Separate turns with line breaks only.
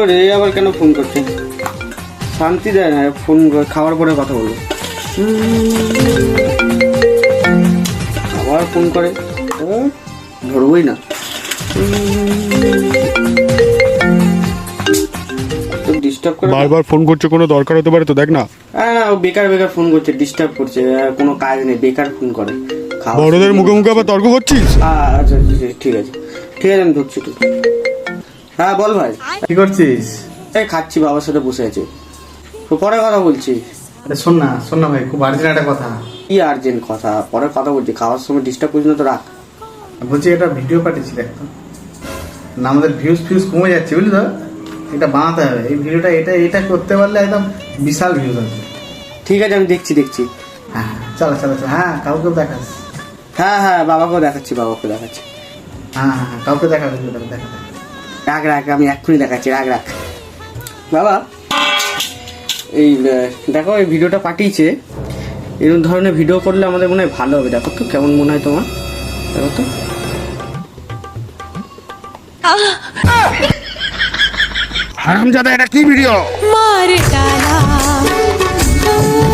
রে আবার কেন ফোন করছে? শান্তি দেয় না, ফোন খাওয়ার পরে কথা বলবো। আবার ফোন করে, ধরবই না। ডিস্টার্ব করে,
বারবার ফোন করছে, কোনো দরকার হতে পারে তো, দেখ না।
না ও বেকার বেকার ফোন করছে, ডিস্টার্ব করছে, কোনো কাজ নেই, বেকার ফোন করে।
বড়দের মুখে মুখে আবার তর্ক করছিস?
আচ্ছা ঠিক আছে আমি ঢুকছি একটু। হ্যাঁ বল ভাই,
কি করছিস?
এই খাচ্ছি, বাবার সাথে বসে আছি, তো পরে কথা বলছি।
আরে শোন না ভাই, খুব আর্জেন্ট একটা কথা।
কি আর্জেন্ট কথা? পরে কথা বলছি, খাওয়ার সময় ডিস্টার্ব করছি না তো, রাখ।
বলছি একটা ভিডিও পাঠিয়েছি দেখতো না, আমাদের ভিউজ কমে যাচ্ছে বুঝলি তো, এটা বানাতে হবে এই ভিডিওটা, এটা করতে পারলে একদম বিশাল ভিউজ আছে।
ঠিক আছে আমি দেখছি।
হ্যাঁ চলো হ্যাঁ কাউকে দেখাস।
হ্যাঁ বাবাকেও দেখাচ্ছি।
হ্যাঁ কাউকে দেখা ভিডিওটা দেখা।
রাখ আমি এক্ষুনি দেখাচ্ছি, রাখ। বাবা এই দেখো, এই ভিডিওটা পাঠিয়েছে, এরকম ধরনের ভিডিও করলে আমাদের মনে হয় ভালো হবে। দেখো তো কেমন মনে হয় তোমার, দেখো তো।
হারামজাদা, এটা কি ভিডিও?
मार डाला